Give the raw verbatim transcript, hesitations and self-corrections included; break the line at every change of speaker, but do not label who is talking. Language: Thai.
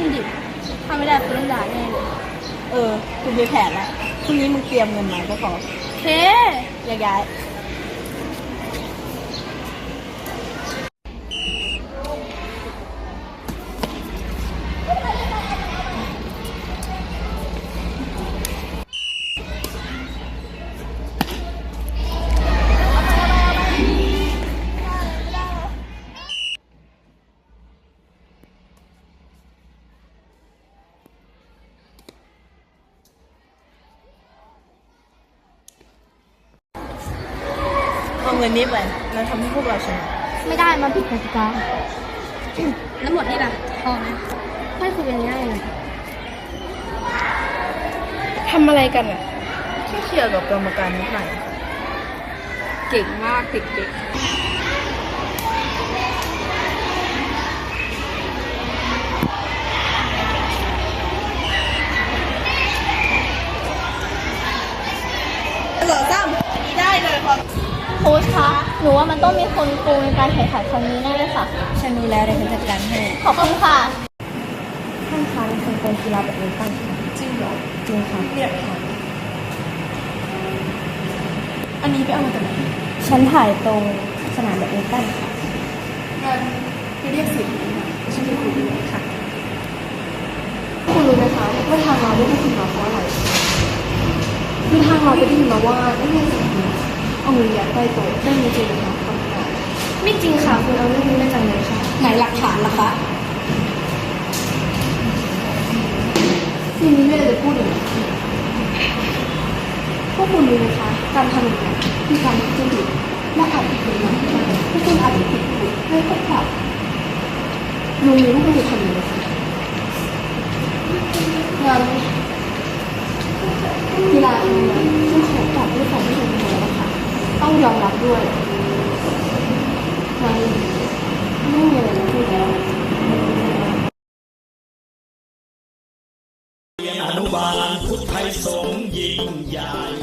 นดิถ้าไม่ได้คุณต้องด่าแน่เลย
เออคุณมีแผนแล้วพรุ่งนี้มึงเตรียมเงินมาก็พอ
โอเค
แยกย้ายเอาเงินนี้ไปแล้วทำให้พวกเราชนะ
ไม่ได้มันผิดกติกาแล้วหมดนี่ล่ะพอไหมให้คุยกันง่ายเลย
ทำอะไรกันอ่ะแค่เคลียร์กับกรรมการนิดหน่อย
เก่งมากเด็ก
เหลือซ้ำได้เลยครับ
โค้ชคะหนูว่ามันต้องมีคนโกงในการแข่งขันครั้งนี้แน่เลยค่ะ
ฉันรู้แล้วเดี๋ยวฉันจัดการให้
ขอบคุณค่ะ
ท่านคะเป็นคนโกงกีฬาแบบนี้ตั้งค่ะจริงเหรอจริงค่ะเนี่ยค่ะอันนี้ไปเอามาจากไหนฉันถ่ายตรงสนามแบดมินตันค่ะงั้นไปเรียกสิทธิ์ฉันจะคุยด้วยค่ะคุณรู้ไหมคะว่าทางเราได้ที่มาเพราะอะไรคือทางเราไปได้ยินมาว่าได้เรียกสิทธิ์เอาเงินยัดใต้โต๊ะได้มีจริงนะคะคำตอบไม่จริงค่ะคุณเอาเรื่องนี้มาจากไหนคะไหนหลักฐานล่ะคะทีนี้ไม่ได้จะพูดอย่างนี้พวกคุณรู้ไหมคะการทำอย่างนี้คือการทุจริตและอาจจะเป็นอย่างที่พวกคุณอาจจะผิดถูกไม่ต้องปรับลุงมีลูกไม่ได้ทำอย่างนี้งั้นกีฬาครั้งนี้ฉันขอตอบด้วยความไม่เป็นธรรมนะคะต้องยอมรับด้วยงั้นไม่มีอะไรจะพูดแล้ว
อนุบาลพุทธไทยสงฆ์ยิ่งใหญ่